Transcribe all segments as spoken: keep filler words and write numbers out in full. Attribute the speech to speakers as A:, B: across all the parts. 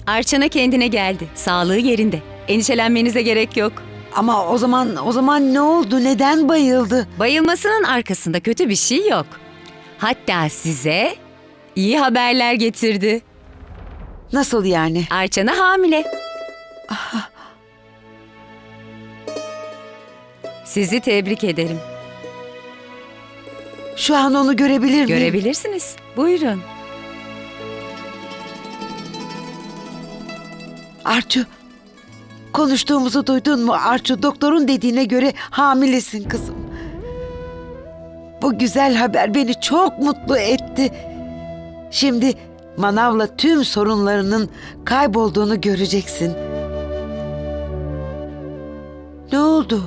A: Arçana kendine geldi. Sağlığı yerinde. Endişelenmenize gerek yok.
B: Ama o zaman o zaman ne oldu? Neden bayıldı?
A: Bayılmasının arkasında kötü bir şey yok. Hatta size iyi haberler getirdi.
B: Nasıl yani?
A: Arçana hamile. Sizi tebrik ederim.
B: Şu an onu görebilir miyim?
A: Görebilirsiniz. Buyurun.
B: Arçu, konuştuğumuzu duydun mu? Arçu, doktorun dediğine göre hamilesin kızım. Bu güzel haber beni çok mutlu etti. Şimdi Manav'la tüm sorunlarının kaybolduğunu göreceksin. Ne oldu?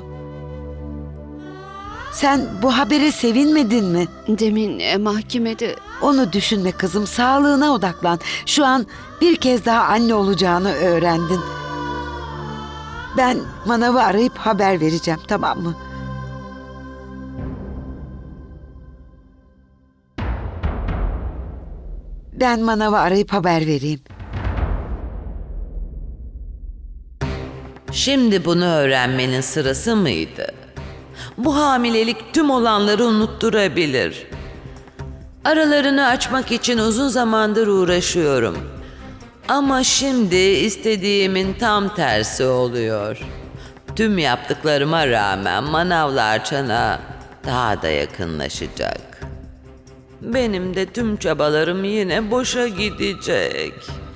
B: Sen bu habere sevinmedin mi?
C: Demin e, mahkemede
B: Onu düşünme kızım, sağlığına odaklan. Şu an bir kez daha anne olacağını öğrendin. Ben Manav'ı arayıp haber vereceğim, tamam mı? Ben Manav'ı arayıp haber vereyim.
D: Şimdi bunu öğrenmenin sırası mıydı? Bu hamilelik tüm olanları unutturabilir. Aralarını açmak için uzun zamandır uğraşıyorum. Ama şimdi istediğimin tam tersi oluyor. Tüm yaptıklarıma rağmen Manav'la Arçana daha da yakınlaşacak. Benim de tüm çabalarım yine boşa gidecek.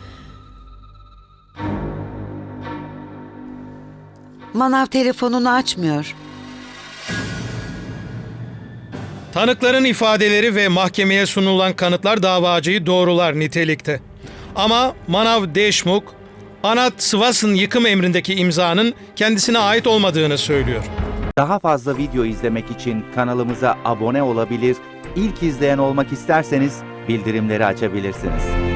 B: Manav telefonunu açmıyor.
E: Tanıkların ifadeleri ve mahkemeye sunulan kanıtlar davacıyı doğrular nitelikte. Ama Manav Deşmukh, Anat Sıvas'ın yıkım emrindeki imzanın kendisine ait olmadığını söylüyor.
F: Daha fazla video izlemek için kanalımıza abone olabilir, ilk izleyen olmak isterseniz bildirimleri açabilirsiniz.